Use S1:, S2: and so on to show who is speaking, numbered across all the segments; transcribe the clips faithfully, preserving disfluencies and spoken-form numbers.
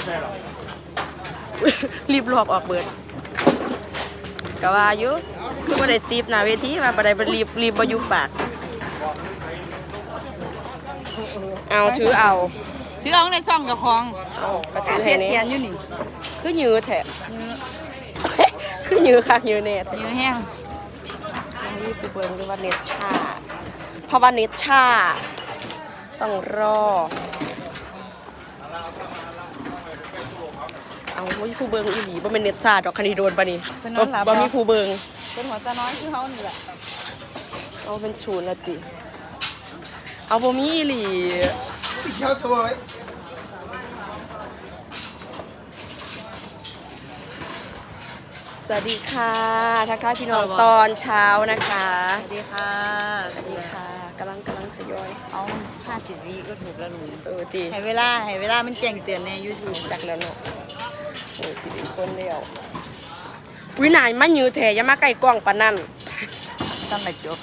S1: รีบลอกออกเบิดกะว่าอยู่คือบ่ได้ตีบหน้าเวทีมาบ่ได้บ่รีบรีบบ่อยู่ปากเอาถือเอา
S2: ถือเอาในซ่องกับของ
S1: ก็ถือ
S2: เสี
S1: ให้
S2: ย
S1: นี่
S2: เทียนอยู่นี่
S1: คือยื้อแท้คือยื้อคักยื้อแน่แท้
S2: ยื้อแห้ง
S1: นี่คือเบิ่งด้วยว่าเน็ตช้าเพราะว่าเน็ตช้าต้องรอเอาบ่มีผู้เบิ่งอีหลีบ่แม่นเน็ตช้าดอกคันนี้โดนปะนี่บ่มีผู้เบิ่ง
S2: เป็นหัวตาน้อยคือเฮานี่แหละ
S1: เอาเป็นศูนย์ละติเอาบ่มีอีหลี
S3: เช้าสวย
S1: สวัสดีค่ะทักทายพี่น้องตอนเช้านะคะ
S2: สวัสดีค่ะ
S1: สวัสดีค่ะกำลังกำลังทยอย
S2: เอาห้าสิบวิก็ถูกแล้วหนู
S1: เออติ
S2: ให้เวลาให้เวลามันแจ้งเตือนใน YouTube
S1: จักแล้วเนาะโอ้ยสิบเอ็ดคนแล้ววินายมายื้อแท้อย่ามาใกล้กล้องปานนั้น
S2: ต้องมาจบ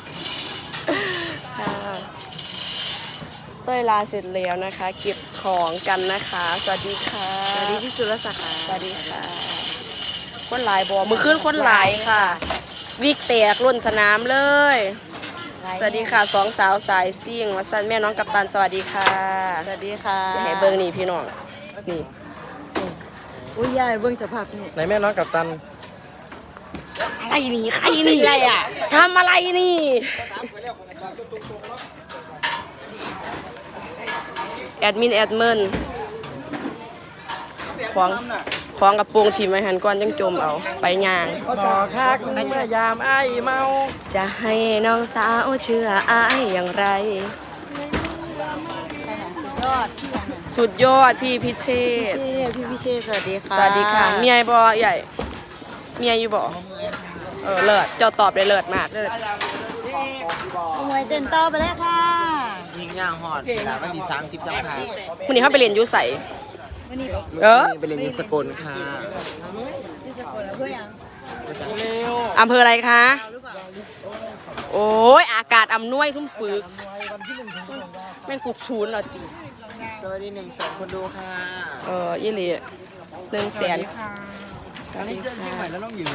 S1: เต้ยลาเสร็จแล้วนะคะเก็บของกันนะคะสวัสดีค่ะ
S2: สวัสดีพี่สุรศักดิ์ค่ะ
S1: สวัสดีค่ะคนหลายบ่มือขึ้นคนหลายค่ะวิกแตกล้นสนามเลยสวัสดีค่ะสองสาวสายซิ่งวัสันแม่น้องกัปตันสวัสดีค่ะ
S2: สวัสดีค่ะ
S1: เสียให้เบิ้งนี่พี่น้องนี่
S2: อุ้ยยายเบิ้งสภาพนี่
S3: ไหนแม่น้องกัปตัน
S1: อะไรนี่ใครนี่อะไรอ่ะทำอะไรนี่แอดมินแอดเมินของของกระโปรงทีมไว้หันก้อนจังจมเอาไปย่าง
S3: บอกคักเมื่อยามไอ้เมา
S1: จะให้น้องสาวเชื่ออ้ายอย่างไรสุดยอดพี่พิเชษ
S2: พี่พิเชษสวัสดีค่ะ
S1: สวัสดีค่ะเมียบ่ใหญ่เมียอยู่บ่เออเลิศเจ้าตอบได้เลิศมากเลิศ
S2: มวยเต้นต่อไปแล้วค่ะ
S3: ยิงย่างหอดเวลาวันที่สามสิบจังหวัด
S1: วันนี้เขาไปเรียนยุใส
S2: วันนี้
S1: เออ
S3: ไปเรียนที่สกลค่ะ
S2: ที่สกลเพื่อยัง
S1: อำเภออะไรคะโอ้ยอากาศอำนวยทุ่มปึกแม่งกุกชูนเหรอตี
S3: สวัสดีหนึ่งแสนคนดูค่ะ
S1: เออยี่หลีหนึ่งแสน
S3: สวัสดีค่ะเชียงใหม่แล้วน้องหญิง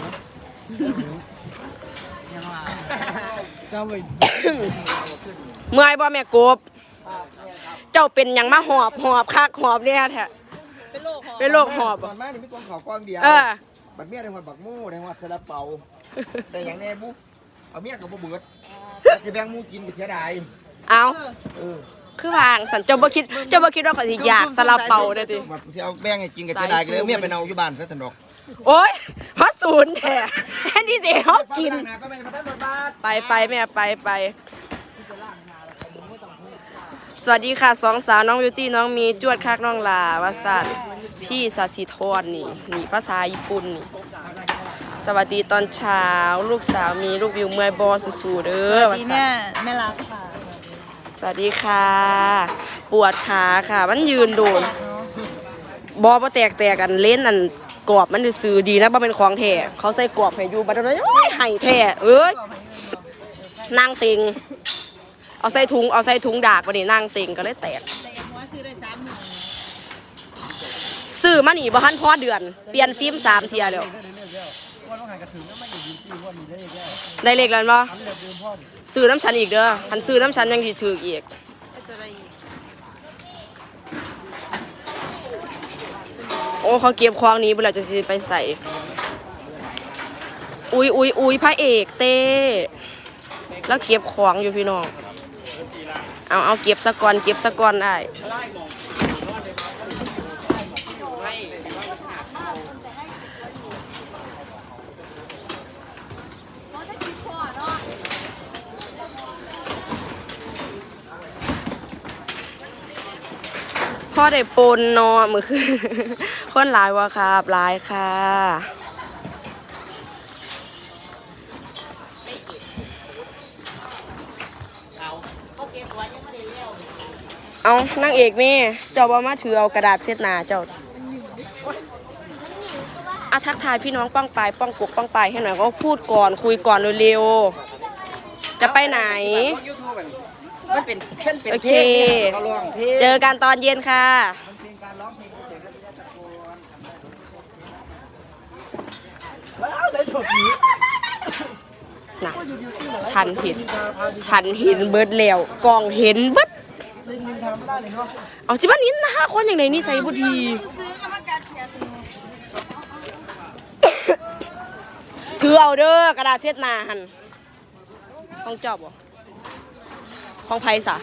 S3: เจ้าไป
S1: เมื่อยบ่แม่กบเจ้าเป็นยังมาหอบหอบคักหอบเนี่ยแท้เป็นโรคหอบ
S3: ตอนแม่นี่มีกองขาวกองเดียวบัดเมียได้หัวบักมู่ได้หัวซาลาเปาแต่อย่างแน่บุ๊เอาเมียกับบ่เบิดจะแบ่งมู่กินก็เสียดาย
S1: เอาคือวางสันเจ้าบ่คิดเจ้าบ่คิดว่าเขาสิอยากซาลาเปาเด้อติ
S3: ว่าสิเอาแบ่งให้กินก็เสียดายก็เลยเมียไปเอาอยู่บ้านซะซั่นดอก
S1: โอ๊ยฮอดศูนย์แท้แทนที่สิเฮากินไปไปแม่ไปไปสวัสดีค่ะสองสาวน้องบิวตี้น้องมีจวดคักน้องลาวาสันพี่สาสิธรนี่นี่ภาษาญี่ปุ่นนี่สวัสดีตอนเช้าลูกสาวมีลูกวิวเมื่อยบอสู้ๆเด้อ
S2: สวัสดีแม่แม่รักค่ะ
S1: สวัสดีค่ะปวดขาค่ะมันยืนโดนบอบ่แตกแตกกันเล่นนั่นกรอบมันซื้อดีนะบ่เป็นของแท้เขาใส่กรอบให้อยู่บัดนั้นโอ้ยให้แท้เอ้ยนั่งติงเอาใส่ถุงเอาใส่ถุงดากวันนี้นั่งติงก็เลยแตกซื้อมาหนีบ่ทันพอเดือนเปลี่ยนฟิล์มสามเทียแล้วได้เลขแล้วมั้ยซื้อน้ำชันอีกเด้อทันซื้อน้ำชันยังสิถืออีกโอ้เขาเก็บควางนี้เวลาจะไปใส่อุ้ยอุ้ยอุ้ยพระเอกเต้แล้วเก็บของอยู่พี่น้องเอาเอาเก็บสะกอนเก็บสะกอนได้พ่อได้ปนนอนมือคือคนหลายวะครับหลายค่ะเอานั่งเอกแม่เจ้าบ่มาถือเอากระดาษเช็ดหน้าเจ้าอาทักทายพี่น้องป้องปลายป้องกบป้องปลายให้หน่อยก็พูดก่อนคุยก่อนเร็วๆจะไปไหนโอเคเจอกันตอนเย็นค่ะนะฉันเห็นฉันเห็นเบิดแล้วกองเห็นเบิดเอาจิบ้านนี้นะคนอย่างไรนี่ใจบุดีถือเอาเด้อกระดาษเช็ดหน้าหันของจอบบ่ของไผ่สะ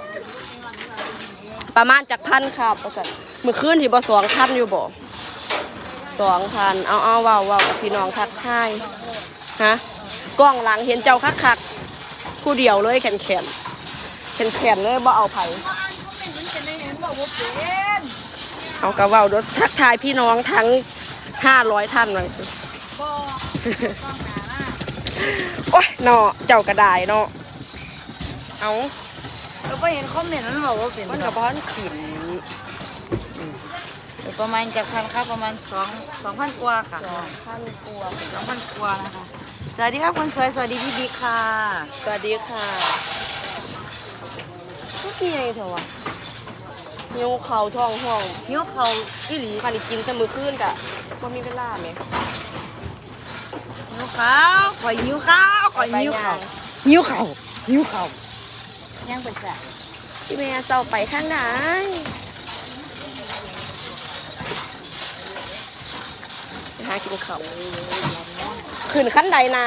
S1: ประมาณจากพันครับประจัดมือคืนที่บ่สองพันอยู่บ่สองพันเอาเอาว้าวว้าวกับพี่น้องทักทายฮะกล้องหลังเห็นเจ้าคักคักผู้เดียวเลยแขนแขนแขนแขนเลยบ่เอาไผ่เอากระว่าวรถทักทายพี่น้องทั้งห้าร้อยท่านเลยโอ้ยเนาะเจ้ากระดายเนาะเอา
S2: เราก็เห็นคอมเมนต์นั้นบอกว่าเป็น
S1: มันกับบ้านขืน
S2: ประมาณจากพันครับประมาณสองสองพันกว่าค่ะ
S1: สองพันกว่า
S2: สองพันกว่านะคะสวัสดีครับคนสวยสวัสดีพี่บิ๊กค่ะ
S1: สวัสดีค่ะทุกทีไงเถอะวะนิ้วเข่าท้องห้อง
S2: หิวเขาอีหลี
S1: คันกินแต่มือขึ้นกะว่ามีเวลาไหม
S2: หิวข้าวข่อยหิวข้าวข่อยหิวข้าวหิวข้าวหิวข้าวยังเป็นจ้ะ
S1: พี่แม่เจ้าไปทางไหนหากินเขาขึ้นขั้นใดนา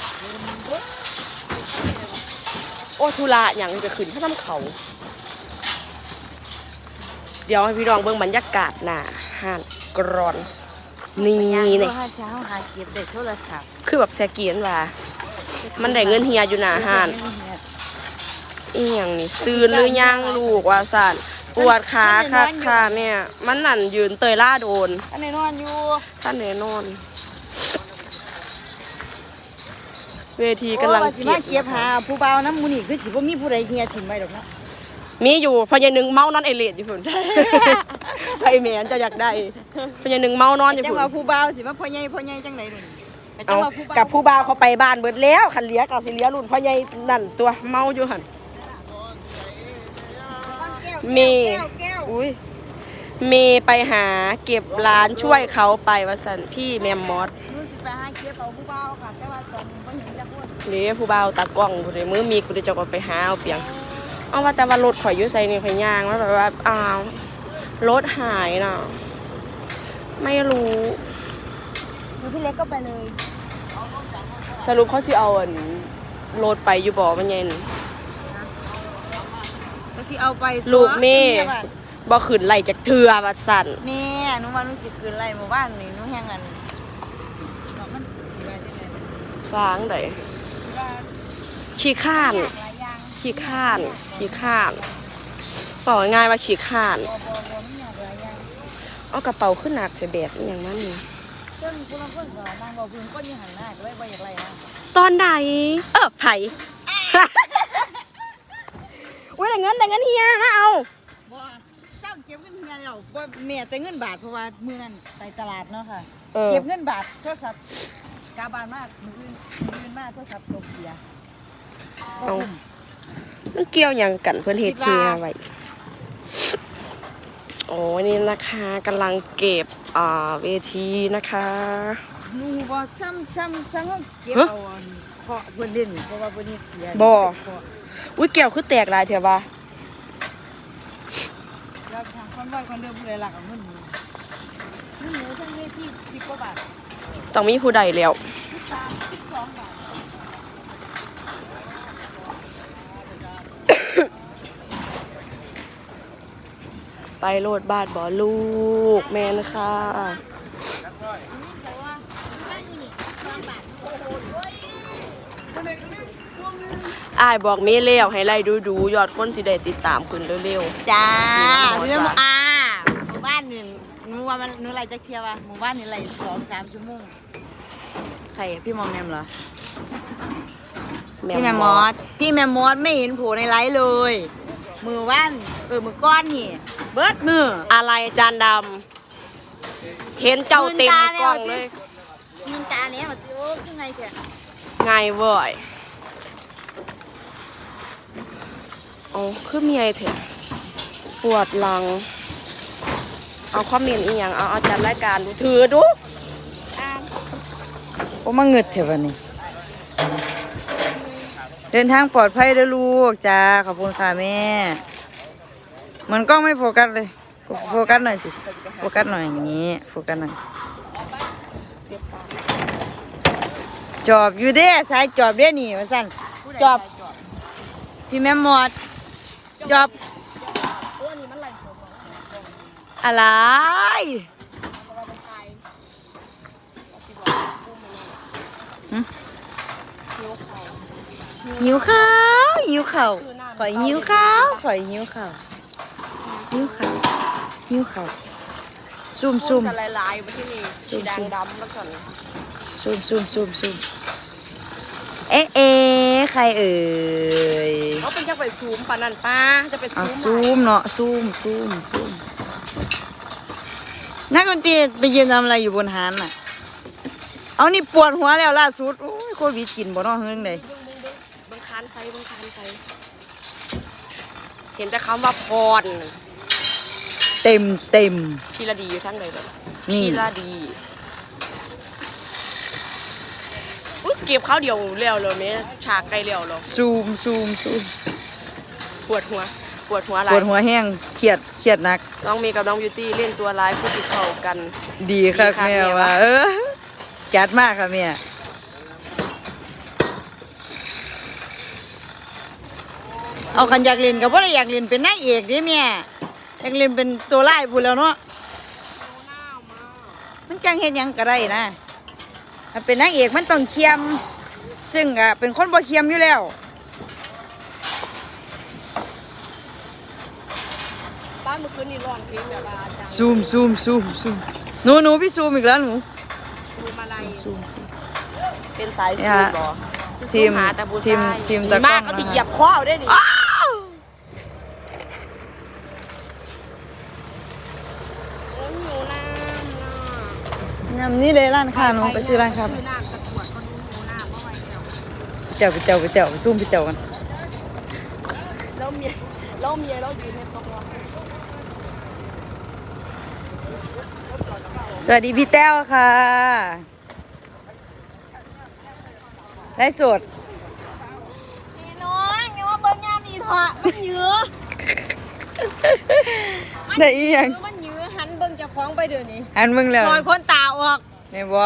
S1: โอ้ทุระอย่างจะขึ้นข้าทำเขาเดี๋ยวให้พี่น้องเบิ่งบรรยากาศหน้าห้านกรอนนี่เนี่ย
S2: หาเช้าหาเก็บเด็กโทรศัพท์
S1: คือแบบแซเกียนว่ามันได้เงินเฮียอยู่หน้าห้านอีหยังนี่ตื่นหรือยังลูกว่าสั่นปวดขาค่ะค่ะเนี่ยมันนั่นยืนเตยล่าโดน
S2: อันไหนนอนอยู่
S1: ท่านแน่นอน เวทีกำลัง
S2: สิมาเก็บหาผู้เบาน้ำมูนี่คือสิบ่มีผู้ใดเฮียถิ่มไว้ดอกนะ
S1: มีอยู่พญานึงเมานอนไอเลดอยู่พุ่นไอแมนจะอยากได้พญานึงเมานอนอยู่
S2: จัง
S1: พุ่น
S2: ว่าผู้เบาสิมาพ่อใหญ่พ่อใหญ่จังได๋นู่น
S1: เอากับผู้บ่าวเขาไปบ้านเบิดแล้วคันเลี้ยกับสิเลี้ยรุ่นพ่อใหญ่นั่นตัวเมาอยู่หั่นเมย์อุ้ยเมย์ไปหาเก็บร้านช่วยเขาไปว่าสันพี่แมมมอส
S2: นู่นสิไปหาเก็บเอาผู้เบาค่ะแต่ว่าตอนนี้บ่เห็นจักคน
S1: นี่ผู้บ่าวตากล้องผู้ใดมือมีกูได้จะก็ไปหาเอาเปียงเอาว่าแต่ว่ารถข่อยอยู่ใส่นี่ข่อยย่างแล้วแบบว่าอ้าวรถหายน่ะไม่รู้
S2: อยู่พี่เล็กก็ไปเลย
S1: สรุปเขาสิเอาอันรถไปอยู่บ่มันยัง
S2: ก็สิเอาไป
S1: ลูกแม่บ่ขึ้นไหลจากเทือว่าสั่น
S2: แม่หนูว่าหนูสิคืนไรหมู่บ้านนี่หนูแฮงกันมันสิว่าจังได๋
S1: วางไดขี้ข้านขี้ข้านขี้ข้านบอกง่ายๆว่าขี้ข้านเอากระเป๋าขึ้นหนักใส่แบกอหย่างนั้นนี่
S2: เพิ่นผู้ลางคนก็นางบ่เพิ่นคนอยู่หันหน้าก็เลยบ่อยากไล่นะ
S1: ตอนใดเออไผ อุ้ยได้เงินได้เงินเฮียนะเอา
S2: บ่เศร้าเก็บเงินเฮียแล้วบ่แม่แต่เงินบาทเพราะว่ามื้อนั้นไปตลาดเนาะค่ะ
S1: เออ
S2: เก็บเงินบาทโทรศัพท์กาบานมากมื้ออื่นมื้ออื่นมาโทรศัพท์ตกเสีย
S1: เอามันเกี่ยวหยังกันเพื่อนเฮ็ดเฮียไว้โอ้นี่นะคะกำลังเก็บอ่าเวทีนะคะ
S2: หนูบ่ซ้ำซ้ำซ้ำเฮาเก็บเอาอันเพราะเพิ่นเล่นเพราะว่าเพิ่นเฮ็ดเสีย
S1: บ่อุ้ยแก้วคือแตกหลายเถอะว่า
S2: แล้วทางคนบ่คนเดิมผู้ใดหลักเอาเงินหนูเงินหนูทั้งเวทีสิบกว่าบาท
S1: ต้องมีผู้ใดแล้ว
S2: สามสิบสองบาท
S1: ไปโลดบาทบ่ลูกแม่นค่ะอายบอกเมย์เลี้ยวให้ไล่ดูดูยอดคนสิได้ติดตามขึ้นเร็ว
S2: จ้า
S1: หมู่
S2: เรื่อง
S1: บ้าน
S2: อ่าหมู่บ้านนี่หนูว่ามันหนูไล่จักเที่ยวว่ะหมู่บ้านนี่ไล่สองสามชั่วโมงใครพี่มองแนมเหรอ
S1: ๆ
S2: พี่แมมมอสพี่แมมมอสไม่เห็นโผล่ในไลฟ์เลย มือว่านเออมือก้อนนี่เบิดมือ
S1: อะไรจานดำเห็นเจ้าเต็มกล้องเลย
S2: มินตาเนี้ยมันโอ้ยังไงแก
S1: ไงเว้ยโอ้คือเมียเถอะปวดหลังเอาคอมเมนต์อีหยังเอาเอาจัดรายการดูถือดูอ่าน
S2: โอ้มาเงิดเถอะวันนี้เดินทางปลอดภัยเด้อลูกจ้าขอบคุณค่ะแม่เหมือนกล้องไม่โฟกัสเลยโฟกัสหน่อยสิโฟกัสหน่อยอย่างนี้โฟกัสหน่อยจอบอยู่เด้สายจอบเด้นี่มาสั่นจอบพี่แม่หมดจอบอะไรหึหิวข้าวหิวข้าวข่อยหิวข้าวข่อยหิวข้าวหิวข้าวหิวข้าวซุ่มซุ่ม
S1: กันหลายๆมาที่นี่สีแดงดำแล้วก่อน
S2: ซุ่มซุ่มซุ่มซุ่มเอ๊ะเอ๊ะใครเอ่ย
S1: เขาเป็นจะไปซูมปานันป้าจะไป
S2: อ่ะ
S1: ซู
S2: ซู
S1: ม
S2: มเนาะซูมซูมซูมนักดนตรีไปยืนทำอะไรอยู่บนหานน่ะเอานี่ปวดหัวแล้วล่าสุดโอ้ยโควิดกินบ่เนาะเฮืองใด
S1: บังคานไฟบังคานไฟเห็นแต่คำว่าพร
S2: เต็มเต็ม
S1: พีระดีอยู่ทั้งเลยแบบ
S2: นี่
S1: พีระดีอุ๊ยเก็บข้าวเดียวเร็วเลยเนี่ยฉากไกลเร็วเลย
S2: ซูมซูมซูม
S1: ปวดหัวปวดหัวอะไร
S2: ปวดหัวแห้งเครียดเครียดหนัก
S1: น้องเมย์กับน้องบิวตี้เล่นตัวร้ายพูดติดเข้ากัน
S2: ดีค่ะ
S1: ดีค่ะ
S2: แม่
S1: แม่
S2: ว่า
S1: ว่า
S2: เออจัดมากค่ะแม่เอาคันอยากเล่นกับว่าอยากเล่นเป็นนางเอกดิแม่อยากเล่นเป็นตัวร้ายพูดแล้วเนาะมันจังเฮ็ดหยังก็ได้นะถ้าเป็นนางเอกมันต้องเคียมซึ่งอ่ะเป็นคนบ่เคียมอยู่แล้ว
S1: บ้านเมื่อคืนนี่ร้องเพลงแบบว่าจัง
S2: ซูมซูมซูมซูมหนูหนูพี่ซูมอีกแล้วหนู
S1: ซูมอะไร
S2: ซูมซูม
S1: เป็นสาย
S2: เนี่
S1: ซู
S2: ย
S1: มเหรอ
S2: ทีม
S1: ซูหาแต่ผู้
S2: ทีม
S1: ชาย
S2: ทีม
S1: ดี
S2: ตะกล้อง
S1: มากก็ติ
S2: นะคะ
S1: เหยียบข้อเอาได้ดิโอ้ยหนูน้ำน่ะ
S2: ยำนี่เลยร้านค้าหนูไปซื้อร้านค้า
S1: ซื้อน้ำตะกรวดก็ดูหนูน้ำเมื่อไหร่แล้ว
S2: เจ้าไปเจ้าไปเจ้าไปซูมไปเจ้ากัน
S1: แล้วเมียแล้วเมียเรายืนในสองวัน
S2: สวัสดีพี่แต้วค่ะได้สด
S1: พี่น้องอย่ามาเบิ้งยามนี่เถอะมันเยื้อ
S2: ได้อีหยัง
S1: มันเยื้อหันเบิ้งเจะคล้าของไปเดี๋ยวนี้
S2: อันมึงแล้ว
S1: นอนคนตาออก
S2: เนี่ยบ่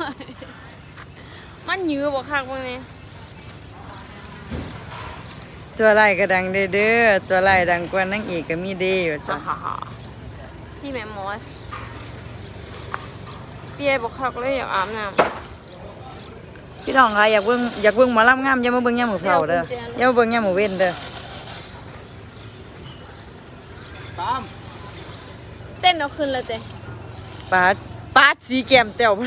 S1: มันเยื้อบ่คักเบิ่งนี่
S2: ตัวไล่ก็ดังเด้อเด้อตัวไล่ดังกว่านางเอกก็มีเด้อจ้ะ
S1: พี่แม่มอสเปียบ่คักเลยอยากอาบน้ำ
S2: พี่น้องค่ะอยากเบิ่งอยากเบิ่งหมอลำงามอย่ามาเบิ่งยามมื้อเช้าเด้ออย่ามาเบิ่งยามมื้อเว้นเด้อ
S3: ตาม
S1: เต้นเอาขึ้นเลยเต้
S2: ปาดปาดสีแก้มแต้ว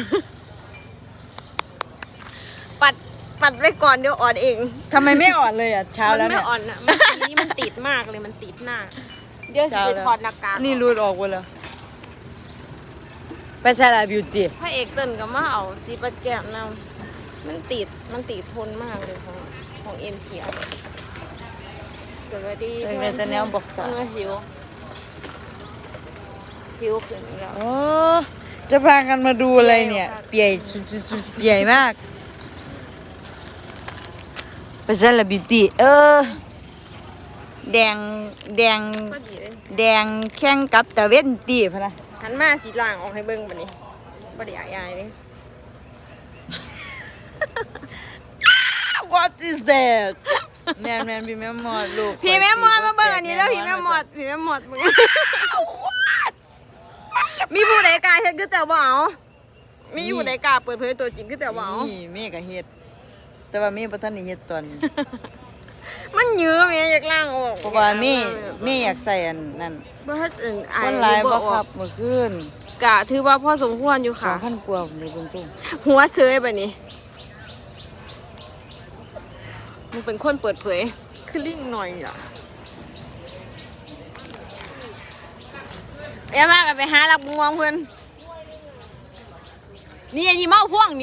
S1: ปัดปัดไว้ก่อนเดี๋ยวอ่อนเอง
S2: ทำไมไม่อ่อนเลยอ่ะเช้า
S1: มัน
S2: แล้ว
S1: ไม่
S2: เนี่ย
S1: อ่อนอ่ะมันสีมันติดมากเลยมันติดหน้า เดี๋ยวสิไปถอดหน้ากาก
S2: นี่รูดออกหมดแล้วไปใช่ละบิวตี้
S1: พระเอกเต้นก็มาเอาสีปัดแก้มนำมันติดมันติดทนมากเลยของของเอ็มทีอาร์สวัสดี
S2: เออแต่แนวบอกต่อ
S1: เออหิวหิวขึ้นอีกแล้ว
S2: โอ้จะพากันมาดูอะไรเนี่ย เปียสุดๆๆเปียมากไปใช่ละบิวตี้เออแดงแดง
S1: พอดีเลย
S2: แดงแข่งกับตะเวนตีพะนะ
S1: หันมาสีล่างออกให้เบิ่งบัดนี้บ่ได้อายๆเลย
S2: What is that แมนแมนพี่แม่หมอดลูก
S1: พี่แม่หมอดมาเบิ่งอันนี้แล้วพี่แม่หมอดพี่แม่หมอดมึงมีผู้ใดกล้าเฮ็ดคือแต่บ่เอามีผู้ใดกล้าเปิดเผยตัวจริงคือแต่บ่เอา
S2: นี่แม่ก็เฮ็ดแต่ว่าแม่บ่ทันได้เฮ็ดตอนนี้
S1: มันเยอะแม่อยากล้างออก
S2: เพราะว่าแม่แม่อยากใส่อันนั้น
S1: บ่เฮ็ดอื่นอาย
S2: คนหลายบ่
S1: ออก
S2: ครับเมื่อคืน
S1: กะถือว่าพอสมควรอยู่ค่ะ
S2: สองพันกว่าผมเลยเบิ่งซุ่ม
S1: หัวเซยบัดนี้มึงเป็นคนเปิดเผยคือลิงหน่อยอ่ะอย่ามากันไปหาลักงวงเพิ่นนี่อันนี้เมาพ่วงนี่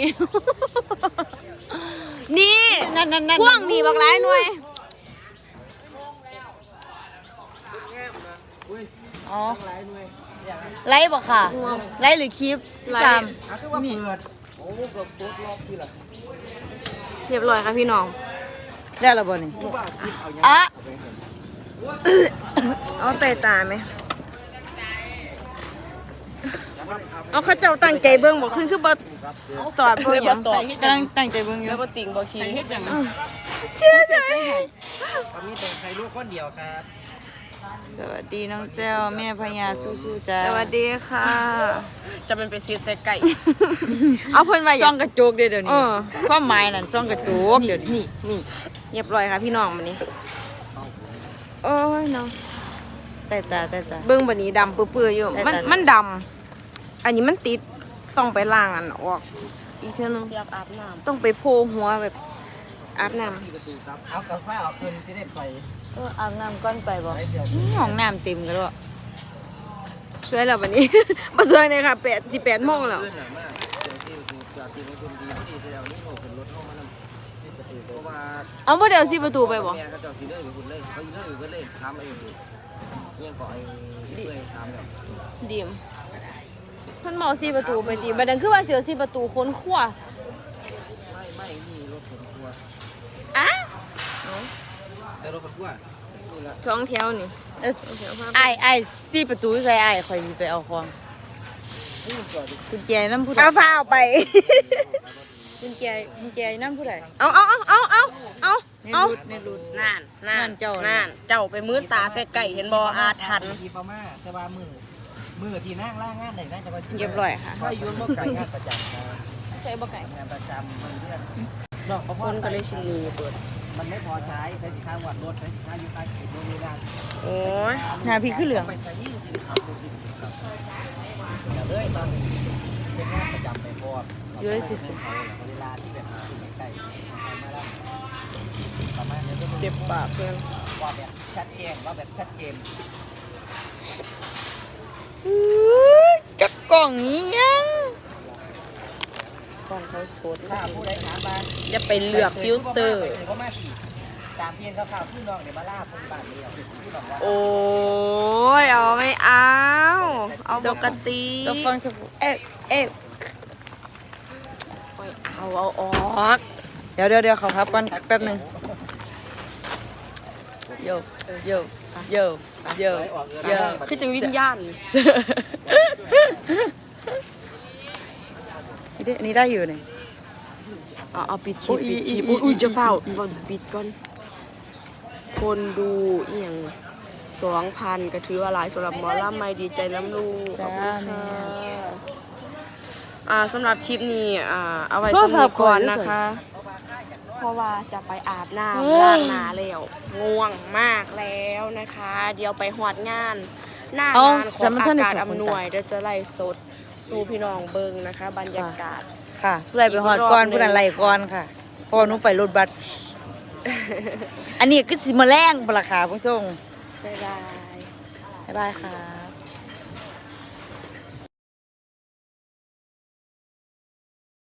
S1: นี่
S2: นั่นนั่นนั่น
S1: พ่วงนี่บักหลายหน่วย
S2: อ๋อ
S3: หลายหน่วย
S2: ไลฟ์บ่ค่ะไลฟ์หรือคลิปตาม
S3: อ่ะคือว่าเปิดโอ้เกือบตุ๊ดรอบที่ละ
S1: เรียบร้อยค่ะพี่น้อง
S2: ได้แล้วบ่นี่
S3: ผู้บ้าคิดเอาอย่าง
S2: อ่ะ
S1: เอาเตะตาไหมเอาเขาเจ้าตั้งใจเบิ่งบ่ขึ้นคือบ่ตอดบ่หยัง
S2: กำลังตั้งใจเบิ่งอยู่
S1: แล้วบ่ติงบ่คิง
S3: เฮ็ดอย่างนั้น
S2: เสียใจ
S3: ก็มีแต่ใครลูกคนเดียวครับ
S2: สวัสดีน้องแต้วแม่พญาสู้ๆจ้า
S1: สวัสดีค่ะ จะเป็นไปซีดใส่ไก่ เอาเพิ่นว่า
S2: ซ่องกระจกเด้อเดี๋ยว
S1: เอ
S2: นี้
S1: อ
S2: ความหมายนั่นซ่องกระจกเดี๋ยวนี้
S1: นี่เรียบร้อยค่ะพี่น้องมื้อนี้โอ้ยน้อง
S2: แต่ตาแต่ตา
S1: เบิ่งบัดนี้ดำเปื้อๆอยู่
S2: แต่
S1: มัน
S2: แต่
S1: มันดำอันนี้มันติดต้องไปล้างอันออกอีกเทื่อนึงอยากอาบน้ำต้องไปโพหัวแบบอาบน้ำ
S3: เอากาแฟเอาคืนสิได้ไป
S2: เอออาบน้ำก่อนไปบ่
S3: ไปเดี๋ยว
S2: ห้องน้ำเต็มกันแล้ว
S1: สวยแล้ววันนี้ มาสวยเลยค่ะแปดสิบแปดโมงแล้ว
S3: ขึ้นหน่อยมากเดี๋ยวที่ดูจอดที่มันคุณดีพอดีเสียแล้วนี่โง่ขึ้นรถเข้ามานำสิประตูเพราะว่า
S1: เอาบ่เดี๋ยวสิประตูไปบ่
S3: แม่เขาเจ้าสีเลยไปคุณเลยเขาอยู่เลยอยู่ก็เลยถามไอ้อยู่เงี้ยก่อไอ้เพื่อนถามแบบ
S1: ดีมเพิ่นบอกสิประตูไปดีบัดนั้นคือว่าเสียวสิประตูค้นขั้ว
S3: ไม่ไม่นี่รถผมกลัว
S1: อ่ะ
S3: แต่รถผมกลัวนี่ละ
S1: ช่องแถวนี่
S2: เอ้ยไอ้ไอ้สี่ประตูใส่ไอ้ข่อยสิไปเอาของ
S3: นี่ผมจอดดิ
S2: กุญแจน้ำผู้ใด
S1: เอาฟ้าเอาไป
S2: กุญแจกุญแจน้ำผู้ใด
S1: เอาเอาเอาเอาเอาเอา
S2: ใน
S1: เอา
S2: รูดในรูด
S1: นั่นนั่
S2: นั่
S1: น
S2: นเจ้า
S1: นั่นเจ้าไปมืดตาใส่ไก่เห็นบ่อาถรรพ์
S3: ทีพม่าแต่ว่ามือมือที่นั่งล่างงานไหนนั่งจะมา
S1: เรียบร้อยค่ะ
S3: ก็ยุ่งเมื่อไก่งานประจำครับ
S1: ใส่บ่ไก่
S3: งานประจำมันเรื่องดอกประ
S1: ค
S3: พอน
S1: ก็เลยชิลีเปิด
S3: มันไม่พอใช้ใช้สินค้าวัดรถใช้สินค้าอยู่ใต้ขีดโน่นนี่นั่น
S1: โอ้ย
S2: หน้าพี่คือเหลือง
S3: ไปใส่ยิ่งสิครับดูสิครับอย่าเลยตอนเป็นงานประจำไปพอ
S2: สวยสิ
S3: เวลาที่แบบใกล้ๆมาแล้วประมาณนี้
S1: เจ็บปากเพื่อน
S3: ว่าแบบชัดเจนว่าแบบชัดเจน
S2: จักกล่องนี้ยัง
S1: ก่อนเขาสด
S3: ถ้าผู้ใดถามมา
S1: อย่าไปเลือกฟิลเตอร์
S3: ถือว่ามาขี่ตามเพียนข่าวๆพี่น้องเดี๋ยวมาล่าคนบ้านนี้พี่น้องว่า
S1: โอ้ยเอาไม่เอา เอาปกติ
S2: ตัวฟังจะเอ๊ะเอ๊ะ
S1: โอ้ยเอาเอาออก
S2: เดี๋ยวเดี๋ยวเดี๋ยวขอพับก่อนแป๊บหนึงโยโยโยโยโย
S1: คือจังวิญญาณ
S2: นี่ได้อันนี้ได้อยู่เนี่ย
S1: เอาเอาปิดชี
S2: อุ๊
S1: พ
S2: ย
S1: ปิดชีพ
S2: อุ๊
S1: อุ้
S2: ย
S1: ย
S2: อุ๊ย
S1: อุ้ยจะเฝ้าบ่ปิดก่อน คนดูอหย่างสองพันก็ถือว่าหลายสำหรับหมอลำไม่ดีใจน้ำลูก
S2: จ้า
S1: ขอบคุณ
S2: แม่
S1: ค่ะอ่าสำหรับคลิปนี้อ่าเอาไว้สำหรับก่อนนะคะ เพราะว่าจะไปอาบน้ำล้างหน้าแล้วง่วงมากแล้วนะคะ เดี๋ยวไปหอดงาน หน้างานของอากาศอำนวยเดี๋ยวจะไล่สดสู่พี่น้องเบิงนะคะ บรรยากาศ
S2: ค่ะผู้ใดไปหอดก่อนผู้นั้นไล่ก่อนค่ะเพอหนูไปรถบัส อันนี้คือสิมาแรงปะล่ะค่ะผู้ชม
S1: บ๊ายบาย
S2: บ๊ายบายค่ะ